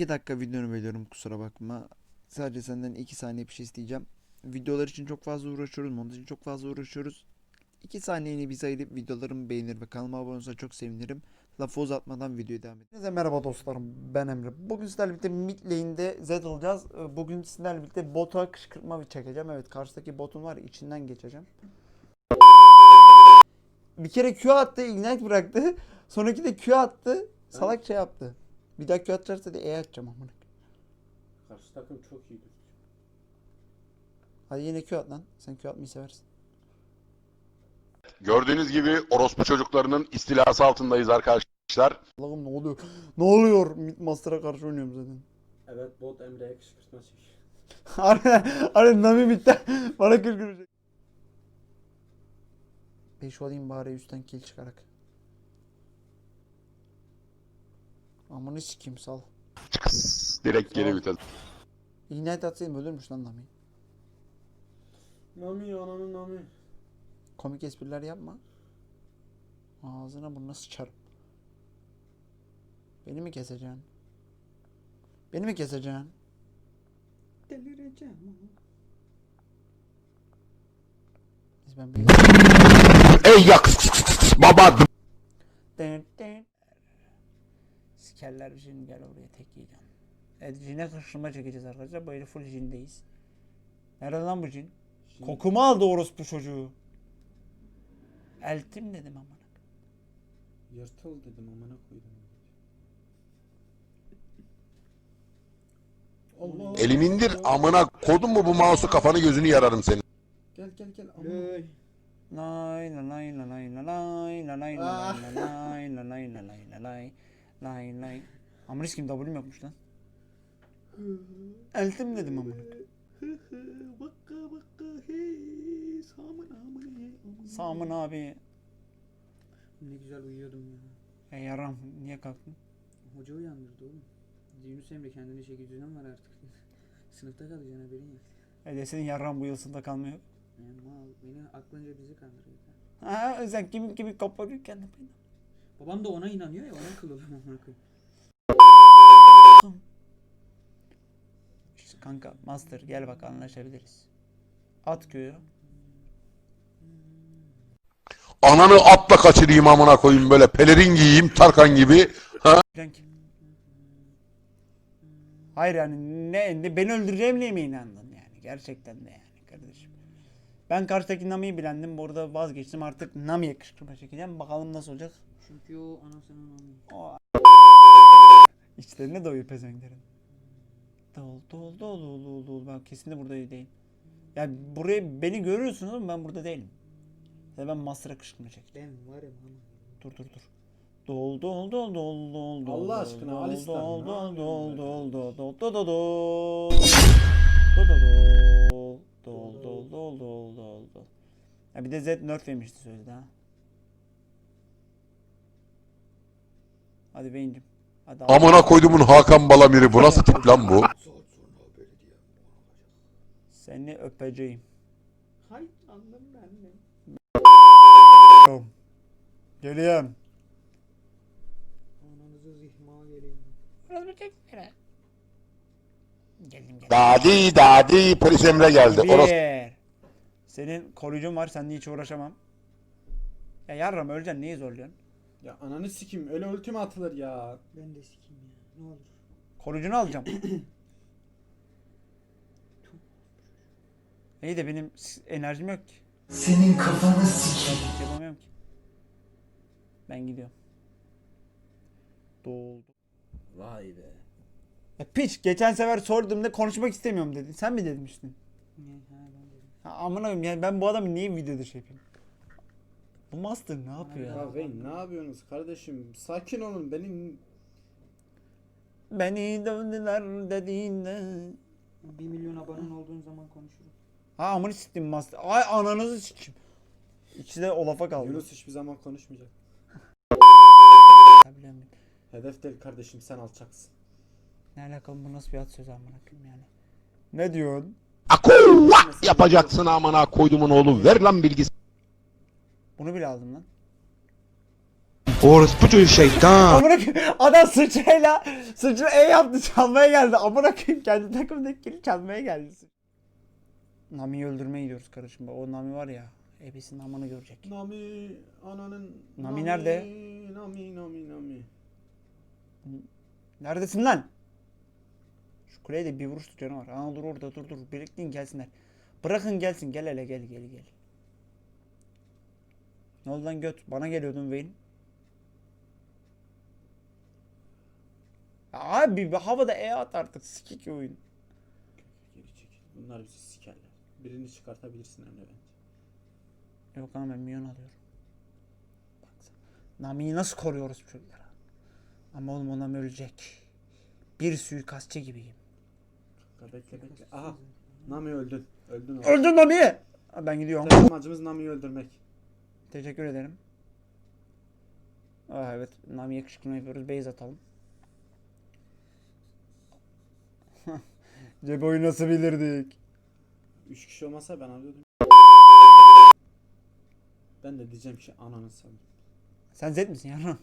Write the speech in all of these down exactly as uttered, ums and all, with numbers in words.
iki dakika videonu bölüyorum, kusura bakma. Sadece senden iki saniye bir şey isteyeceğim. Videolar için çok fazla uğraşıyoruz. Montaj için çok fazla uğraşıyoruz. iki saniyeni bize ayırıp videolarımı beğenir ve kanalıma abone olursa çok sevinirim. Lafı uzatmadan videoya devam edelim. Herkese merhaba dostlarım, ben Emre. Bugün sizlerle birlikte mid lane'de Zed alacağız. Bugün sizlerle birlikte bota kışkırtma bir çekeceğim. Evet, karşıdaki botun var, içinden geçeceğim. Bir kere Q attı, ignite bıraktı. Sonraki de Q attı, salak şey yaptı. Bir daha Q atacaksa da E atacağım amına. Karşı takım çok iyidir. Hadi yine Q at lan. Sen Q atmayı seversin. Gördüğünüz gibi orospu çocuklarının istilası altındayız arkadaşlar. Allah'ım ne oluyor? Ne oluyor? Mid Master'a karşı oynuyorum zaten. Evet, bot Emre'ye kışkırtma çekiyor. Harbiden, harbiden Nami bitti. Bana kışkırtacak. beş olayım bari üstten kill çıkarak. Amanı sikeyim, sal. Çıkıs, direkt geri vites. Ignite atsaydım ölürmüş lan Nami. Nami ananın Nami. Komik espriler yapma. Ağzına burnuna sıçarım. Beni mi keseceksin? Beni mi keseceksin? Delireceğim. Biz ben bir... Ey yak baba. Sikerler bir şimdi, gel oraya tek yiyeceğim. Evet, cine kışkırtma çekeceğiz arkadaşlar. Böyle full cindeyiz. Nerede lan bu cin? Cin. Kokumu aldı orospu çocuğu. Eltim dedim amına. Yırtıl dedim amına koydum. Allah. Elimi indir amına kodun mu bu mouse'u, kafanı gözünü yararım senin. Gel gel gel amına. Lay la lay la lay la lay la lay la lay la lay la lay la lay la lay lay lay. Amına kim W'm yokmuş lan. Eltim dedim amına. Bakka bakka hey Samın amına hey. Samın abi. Ne güzel uyuyordum ya. E yaram, niye kalktın? Hoca uyandırdı oğlum. Yunus Emre kendine çeki düzen var artık. Sınıfta kalacaksın, haberin yok. E de senin yaram bu yılsında kalmıyor. Yani mal beni aklınca bizi kandırıyor. Ha, sen kimi kimi koparıyorsun beni. Babam da ona inanıyor ya, ona kıl oluyor amına koyayım. İşte kanka Master gel bak, anlaşabiliriz. At köyü. Ananı atla kaçırayım amına koyayım, böyle pelerin giyeyim Tarkan gibi. Ha? Renk. Hayır yani ne, ne beni öldüreceğimle mi inandın yani, gerçekten de yani kardeşim. Ben karşıdaki Nami'yi bilendim, burada vazgeçtim, artık Nami'ye kışkırtma çekeceğim, bakalım nasıl olacak. Çünkü o anasının Nami. O İçlerine doyuyor pezevenklerin. Dol dol dol dol dol dol, ben kesinlikle burada değilim. Yani buraya beni görüyorsunuz ama ben burada değilim. Ya ben Master'a kışkırtma çekeceğim. Ben varım ama. Dur dur dur. Dol dol dol dol dol dol. Allah aşkına dol, Alistan, Dol ne dol dol yapıyorsun dol be? dol dol dol dol dol. Dol dol dol dol dol dol dol dol. Ya bir de Z nerf yemişti sözde ha. Hadi Vayne'cim. Hadi al. Amına koydumun Hakan Balamir'i, bu nasıl tip lan bu? Seni öpeceğim. Hay anladım ben de. Geliyorum. Ananızı zihma geleyim. Geldim geldim. Dadi dadi polis Emre geldi. Orospu. Bir. Senin koruyucun var, seninle hiç uğraşamam. Ya yarram öleceksin, neyi zorluyorsun? Ya ananı sikim, öyle ultime atılır ya. Ben de sikim ya, ne olur. Koruyucunu alacağım. İyi de benim s- enerjim yok ki. Senin kafanı sikeyim. Hiç yapamıyorum ki. Ben gidiyorum. Doldu. Vay be. Ya piç, geçen sefer sorduğumda konuşmak istemiyorum dedin. Sen mi demiştin? Ne ha ben dedim. Ha, amına koyayım, yani ben bu adamı niye videoda şey yapayım? Bu Master ne yapıyor ya? Ya Wayne ne yapıyorsunuz kardeşim? Sakin olun, benim Beni dövdüler dediğinde. bir milyon abonen olduğun zaman konuşurum. Ha amını siktim Master. Ay ananızı sikeyim. İkisi de o lafa kaldı. Yunus hiçbir zaman konuşmayacak. Ya biliyorum. Hedef değil kardeşim, sen alçaksın. Ne alakalı, bu nasıl bir at sözü amına koyayım yani. Ne diyorsun? Akuvva yapacaksın amına koydumun oğlu, ver lan bilgisi. Bunu bile aldım lan. Orospu çocuğu şeytan. Amına koyayım. Adam sıçrayla sıçra E yaptı, çalmaya geldi. Amına koyayım, kendi takımdaki çalmaya geldi. Nami'yi öldürmeye gidiyoruz kardeşim. O Nami var ya, ebesinin amını görecek. Nami ananın. Nami nerede? Nami Nami Nami. Neredesin lan? Şu kuleye de bir vuruş tutanı var. Aa dur orada, dur dur. Birikleyin gelsinler. Bırakın gelsin. Gel hele, gel gel gel. Ne oldu lan göt? Bana geliyordun Vayne. Abi bir havada E at artık. Sikik oyun. Geri çekil. Bunlar bizi sikerler. Birini çıkartabilirsin Emre bence. Yok lan, ben minyon alıyorum. Baksana. Nami'yi nasıl koruyoruz bu çocuklara? Ama oğlum, o Nami ölecek. Bir suikastçı gibiyim. Kanka bekle bekle. Aha. Nami öldün. Öldün oğlum. Öldün Nami'yi. Ben gidiyorum. Tek amacımız Nami'yi öldürmek. Teşekkür ederim. Aa, evet, Nami'ye kışkırtma yapıyoruz. Base atalım. Cebo'yu nasıl bilirdik? Üç kişi olmasa ben alıyordum. Ben de diyeceğim ki ananı sanırım. Sen Zed misin ya?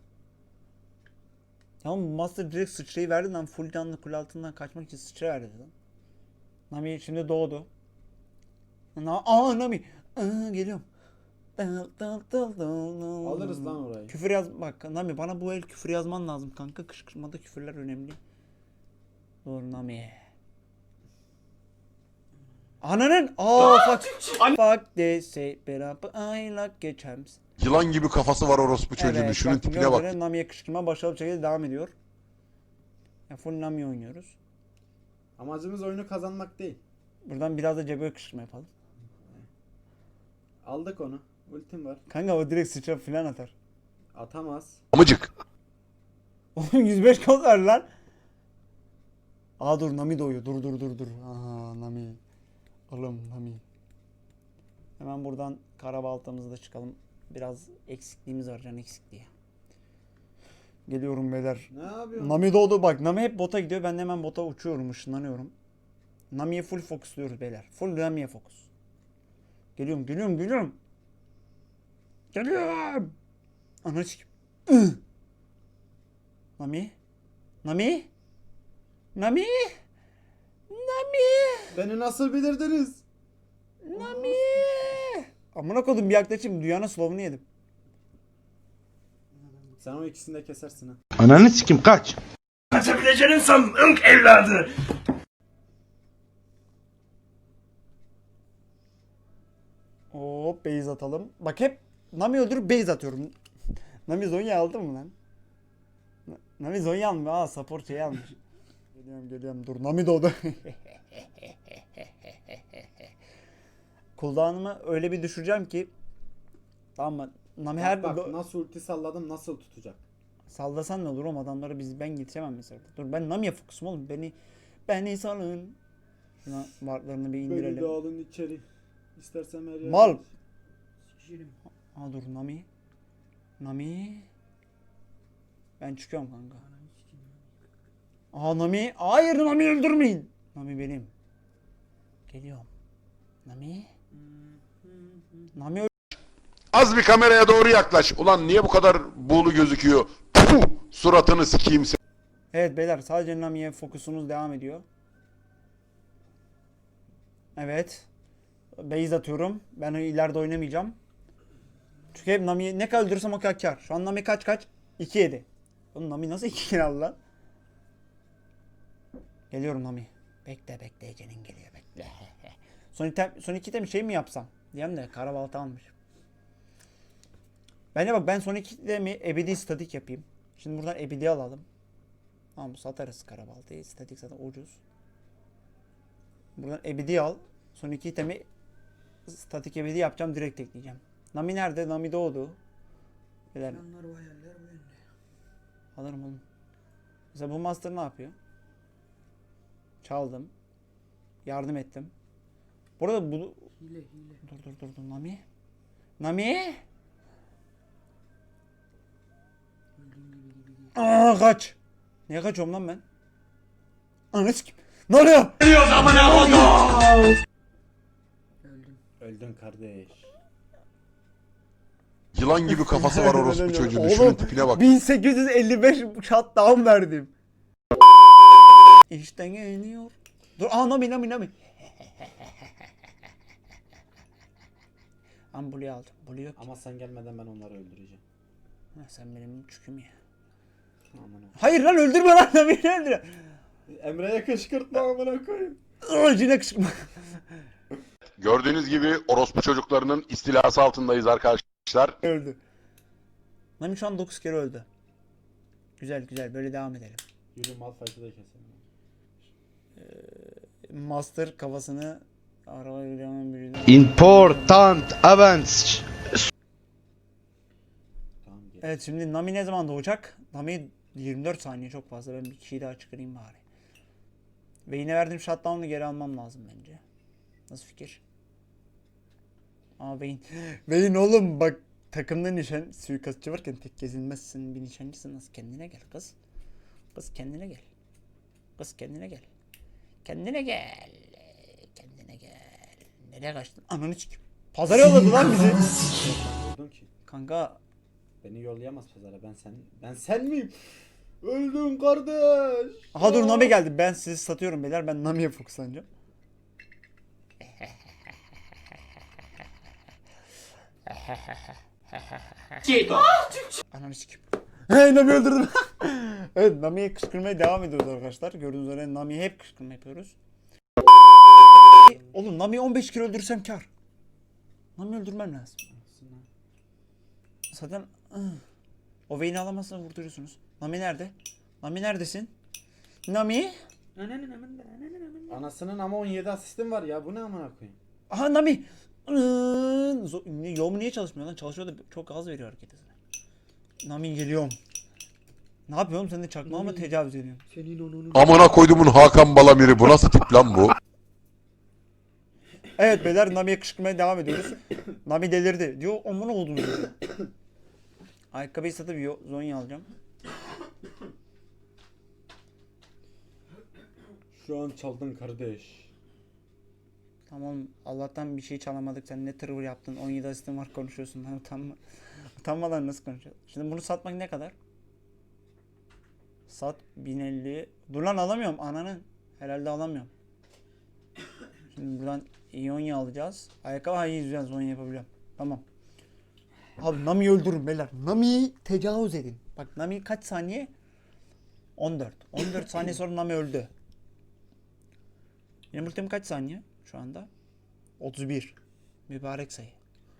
Tamam, Master direkt sıçrayı verdi lan. Full canlı kule altından kaçmak için sıçra verdi lan. Nami şimdi doğdu. Na Aa Nami. Aa, geliyorum. Alırız lan orayı. Küfür yaz, bak Nami, bana bu el küfür yazman lazım kanka. Kışkırtmada küfürler önemli. Doğru Nami. Ananın aa fuck fuck they say but I like a champs. Yılan gibi kafası var orospu çocuğunun. Şunun bak, tipine bak. gördüğünüz Nami'ye kışkırtma başarılı şekilde devam ediyor. Ya full Nami oynuyoruz. Amacımız oyunu kazanmak değil. Buradan biraz da Cebo'ya kışkırtma yapalım. Aldık onu. Ultim var. Kanka o direkt sıçra falan atar. Atamaz. Amıcık. Oğlum yüz beş kod ver lan. Aa dur, Nami doğuyor. Dur dur dur dur. Aha Nami. Oğlum Nami. Hemen buradan karabaltamızı da çıkalım. Biraz eksikliğimiz var, can eksikliği. Geliyorum beyler. Ne yapıyorsun? Nami doğdu bak. Nami hep bota gidiyor. Ben de hemen bota uçuyorum, ışınlanıyorum. Nami'ye full fokusluyoruz beyler. Full Nami'ye fokus. Geliyorum geliyorum geliyorum. Geliyorum. Ana sikim. Nami. Nami. Nami. Nami. Beni nasıl bilirdiniz? Nami. Amına kodum, bir yaklaşayım. Dünyanın slovunu yedim. Sen o ikisini de kesersin ha. Ananı sikim kaç. Kaçabileceğini sandın evladı. Hop base atalım. Bak hep Nami öldürüp base atıyorum. Nami Zonya aldı mı lan? Na- Nami Zonya almıyor. Aa support şey almış. Geliyorum geliyorum, dur Nami doğdu. Cooldown'ımı öyle bir düşüreceğim ki, tamam mı? Nami her Bak, bak do- nasıl ulti salladım, nasıl tutacak. sallasan ne olur oğlum, adamları biz ben getiremem mesela. Dur ben Nami'ye fokusum oğlum. Beni beni salın. Şuna wardlarını bir Beni indirelim. de alın içeri. İstersen her yerde. Mal. Şişirim. Aa dur Nami. Nami. Ben çıkıyorum kanka. Aa Nami. Hayır, Nami öldürmeyin. Nami benim. Geliyorum. Nami. Nami öl- Az bir kameraya doğru yaklaş. Ulan niye bu kadar buğulu gözüküyor? Puh! Suratını sikeyim sen. Evet beyler, sadece Nami'ye fokusumuz devam ediyor. Evet. Base atıyorum. Ben ileride oynamayacağım. Çünkü hep Nami'yi ne kadar öldürürsem o kadar kar. Şu an Nami kaç kaç? iki yedi. Oğlum Nami nasıl iki kill aldı lan? Geliyorum Nami. Bekle bekle, Ece'nin geliyor bekle. son, item, son iki item şey mi yapsam? Diyem de karabalta almış. Bence bak, ben son iki itemi ebedi statik yapayım. Şimdi buradan ebedi alalım. Tamam, satarız karabaltayı. Statik zaten ucuz. Buradan ebedi al. Son iki itemi statik ebedi yapacağım. Direkt ekleyeceğim. Nami nerede? Nami doğdu. Beyler, Planlar bu hayaller bu yönde. alırım oğlum. Mesela bu master ne yapıyor? Çaldım. Yardım ettim. Burada bu... Hile hile. Dur dur dur dur Nami. Nami. Öldüğün gibi gibi değil. Aa kaç. Niye kaçıyorum lan ben? Ananı sikeyim. Ne oluyor? Öldüm. Öldün kardeş. Yılan gibi kafası var orospu çocuğun. Şunun tipine bak. bin sekiz yüz elli beş shutdown verdim. İşte geliyor. Dur, aa Nami Nami Nami. Ama Blue'yu aldım. Blue yok. Ama sen gelmeden ben onları öldüreceğim. Ha, sen benim çüküm ya. Aman ha. Hayır lan öldürme lan Nami'yi öldür. Emre'ye kışkırtma amına koyayım. Cine kışkırtma. Gördüğünüz gibi orospu çocuklarının istilası altındayız arkadaşlar. Öldü. Nami şu an dokuz kere öldü. Güzel güzel böyle devam edelim. Yürü Malphite'ı da keselim. Master kafasını araba yürüyen biriyle. Important events. Tamam gel. Evet şimdi Nami ne zaman doğacak? Nami yirmi dört saniye çok fazla. Ben bir kişiyi daha çıkarayım bari. Ve yine verdiğim shutdown'u geri almam lazım bence. Nasıl fikir? Aa Vayne. Vayne oğlum bak takımda nişan suikastçı varken tek gezilmezsin bir nişancısın. Nasıl kendine gel kız. Kız kendine gel. Kız kendine gel. Kendine gel. Kendine gel. Nereye kaçtın? Ananı sikeyim. Pazara yolladı lan bizi. Öldün ki. Kanka Beni yollayamaz pazara. Ben sen ben sen miyim? Öldüm kardeş. aha dur Nami geldi. Ben sizi satıyorum beyler. Ben Nami'ye fokuslanacağım. Ananı sikeyim. Hey Nami öldürdüm. Evet Nami'ye kışkırmaya devam ediyoruz arkadaşlar. Gördüğünüz üzere Nami'ye hep kışkırma yapıyoruz. Oğlum Nami'yi on beş kere öldürsem kar. Nami öldürmem lazım. Zaten o Vayne'i alamazsan vurduruyorsunuz. Nami nerede? Nami neredesin? Nami? Anasının ama on yedi asistim var ya. Bu ne amına koyayım? Aha Nami. Yom niye çalışmıyor lan? Çalışıyor da çok gaz veriyor hareket hızına. Nami geliyorum. Ne yapıyorum? Sen de çakmağa mı tecavüz ediyorsun? Senin onun Amına koydumun Hakan Balamir'i. Bu nasıl tip lan bu? Evet beyler Nami'ye kışkırmaya devam ediyoruz. Nami delirdi. Diyor amına oldum diyor. Ayakkabıyı satıp yo- Zonya alacağım. Şu an çaldın kardeş. Tamam Allah'tan bir şey çalamadık. Sen ne tırvır yaptın? on yedi asistin var konuşuyorsun. Lan utanma. Utanmadan nasıl konuşuyorsun? Şimdi bunu satmak ne kadar? Sat bin elli. Dur lan alamıyorum ananın. Herhalde alamıyorum. Şimdi buradan İonya alacağız. Ayakkabı hayır yüzden Zonya yapabiliyorum. Tamam. Abi Nami'yi öldürün beyler. Nami'yi tecavüz edin. Bak Nami kaç saniye? on dört. on dört saniye sonra Nami öldü. Benim ultim kaç saniye şu anda? otuz bir. Mübarek sayı.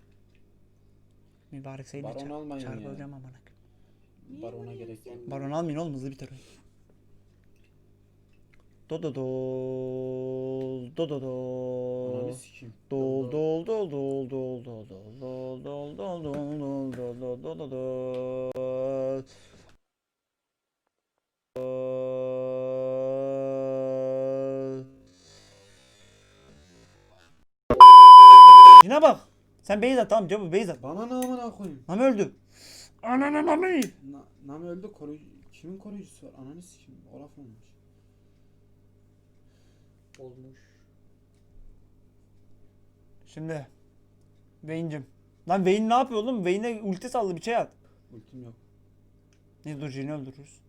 Mübarek sayı ne Baron almayın ya. çarpılacağım amına. Barona gerek yok. Baron almayın oğlum hızlı biter oyun. Do do dol do do dol Ananı sikeyim. dol dol dol dol dol dol dol dol dol dol dol dol dol dol dol dol. Yine bak. Sen Beyzat tamam cevabı Beyzat. Bana ne amına koyayım? Nami öldü. Ananı Nami. Na, Nami öldü koruyucu. Kimin koruyucusu var? Ananı sikeyim. Olaf olmuş. olmuş. Şimdi Vayne'cim. Lan Vayne ne yapıyor oğlum? Vayne'e ulti saldı bir şey at. Ultim yok. Neyse dur Jin'i öldürürüz.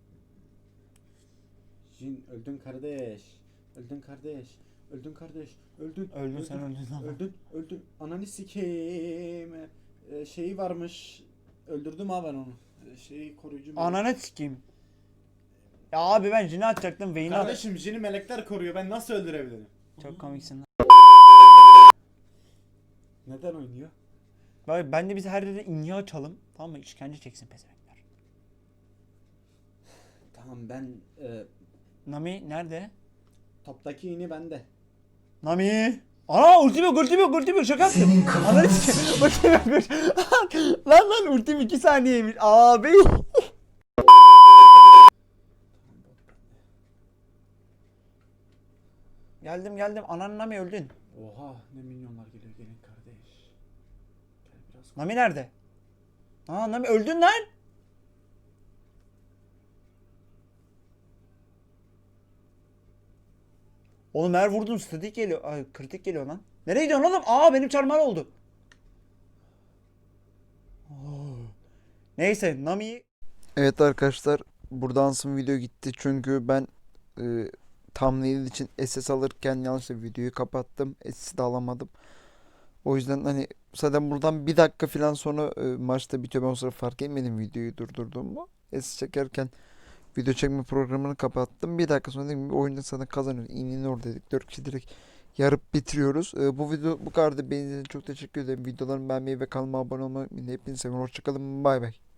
Jin öldün kardeş. Öldün kardeş. Öldün kardeş. Öldün. Öldün sen öldün ama. Öldün. Öldün. Ananı sikeyim. Ee, şeyi varmış. Öldürdüm ha ben onu. Ee, şeyi koruyucu. melek. Ananı sikeyim. Ya abi ben Jin'i atacaktım Vayne'i at. Kardeşim Jin'i melekler koruyor. Ben nasıl öldürebilirim? Çok komiksin lan. Neden oynuyor? Bak ben de biz her yerde inye açalım. Tamam mı? İşkence çeksin pezevenkler. Tamam ben e, Nami nerede? toptaki ini bende. Nami. Ana ultim yok ultim yok ultim yok şaka yaptım. Ananı sikeyim. Ultim yok ultim- Lan lan ultim iki saniyeymiş. Abi. Geldim geldim. Anan Nami öldün. Oha ne milyonlar geliyor gelin kardeş. Gel biraz. Nami nerede? Aa Nami öldün lan. Oğlum her vurdun statik geliyor. Ay kritik geliyor lan. Nereye gidiyorsun oğlum? Aa benim çarmıhal oldu. Neyse Nami Evet arkadaşlar, burada ansın video gitti çünkü ben e, thumbnail için S S alırken yanlışlıkla videoyu kapattım. S S'i de alamadım. O yüzden hani zaten buradan bir dakika falan sonra e, maçta bitiyor. Ben o sıra fark etmedim videoyu durdurduğumu. S S çekerken video çekme programını kapattım. Bir dakika sonra dedim ki oyunda zaten kazanıyoruz. İğnenin oradaydık. Dört kişi direkt yarıp bitiriyoruz. E, bu video bu kadar da beğendiğiniz için çok teşekkür ederim. Videolarımı beğenmeyi ve kanalıma abone olmayı unutmayın. Hepinizi seviyorum. Hoşçakalın. Bay bay.